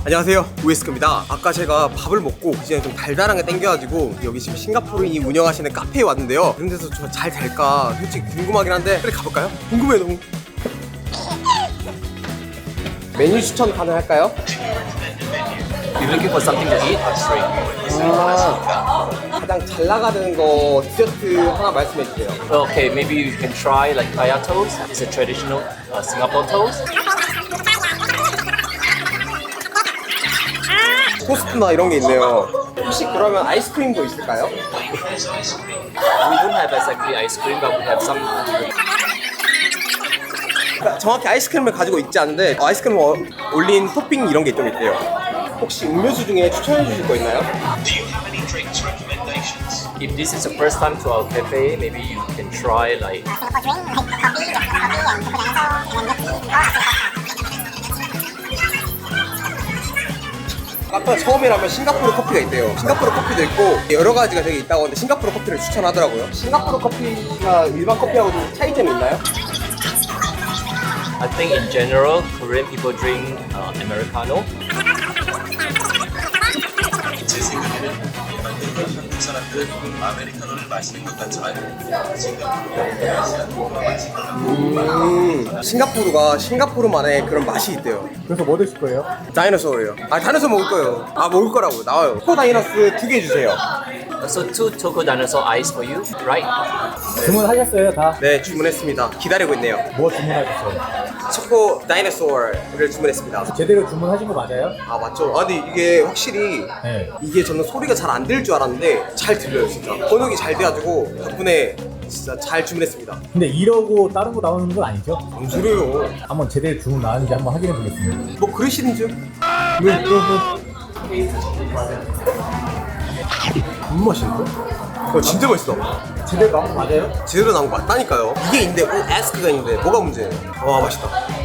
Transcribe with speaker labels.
Speaker 1: 안녕하세요, 우에스크입니다. 아까 제가 밥을 먹고 이제 좀 달달한 게 땡겨가지고 여기 지금 싱가포르인이 운영하시는 카페에 왔는데요. 그런 데서 저 잘 될까 솔직히 궁금하긴 한데 빨리 가볼까요? 궁금해요 너무. 메뉴 추천 가능할까요?
Speaker 2: You're looking for something to eat or drink?
Speaker 1: 가장 잘 나가는 거 디저트 하나 말씀해 주세요.
Speaker 2: Okay, maybe you can try like kaya toast. It's a traditional Singapore toast.
Speaker 1: 토스트나 이런 게 있네요. 혹시 그러면 아이스크림도 있을까요?
Speaker 2: We don't have exactly ice cream, but we have some.
Speaker 1: 그러니까 정확히 아이스크림을 가지고 있지 않은데 아이스크림 올린 토핑 이런 게 좀 있대요. 혹시 음료수 중에 추천해 주실 거 있나요?
Speaker 2: If this is the first time to our cafe, maybe you can try like
Speaker 1: 아까 처음이라면 싱가포르 커피가 있대요. 싱가포르 커피도 있고 여러 가지가 되게 있다고 하는데 싱가포르 커피를 추천하더라고요. 싱가포르 커피가 일반 커피하고 좀 차이점이 있나요?
Speaker 2: I think in general, Korean people drink Americano.
Speaker 3: 제 생각에는 일반적으로 사람들은 아메리카노를 마시는 것 같지만
Speaker 1: 싱가포르가 싱가포르만의 그런 맛이 있대요.
Speaker 4: 그래서 뭐 드실 거예요?
Speaker 1: 다이너소예요. 다이너소 먹을 거예요. 먹을 거라고 나와요. 초코 다이너스 2개 주세요.
Speaker 2: So 2 choco dinosaur ice for you, right?
Speaker 4: 주문하셨어요 다?
Speaker 1: 네, 주문했습니다. 기다리고 있네요.
Speaker 4: 뭐 주문하셨어요?
Speaker 1: 초코 다이너소를 주문했습니다.
Speaker 4: 제대로 주문하신 거 맞아요?
Speaker 1: 아 맞죠? 근데 이게 확실히
Speaker 4: 네.
Speaker 1: 이게 저는 소리가 잘 안 들 줄 알았는데 잘 들려요 진짜. 번역이 잘 돼가지고 덕분에 진짜 잘 주문했습니다.
Speaker 4: 근데 이러고 다른 거 나오는 건 아니죠?
Speaker 1: 뭔 소리예요?
Speaker 4: 한번 제대로 주문 나왔는지 한번 확인해 보겠습니다.
Speaker 1: 뭐 그러시는 줄? 너무 맛있는데? 진짜 맛있어.
Speaker 4: 제대로 나온 거 맞아요?
Speaker 1: 제대로 나온 거 맞다니까요. 이게 있는데 ask가 있는데 뭐가 문제예요? 와 맛있다.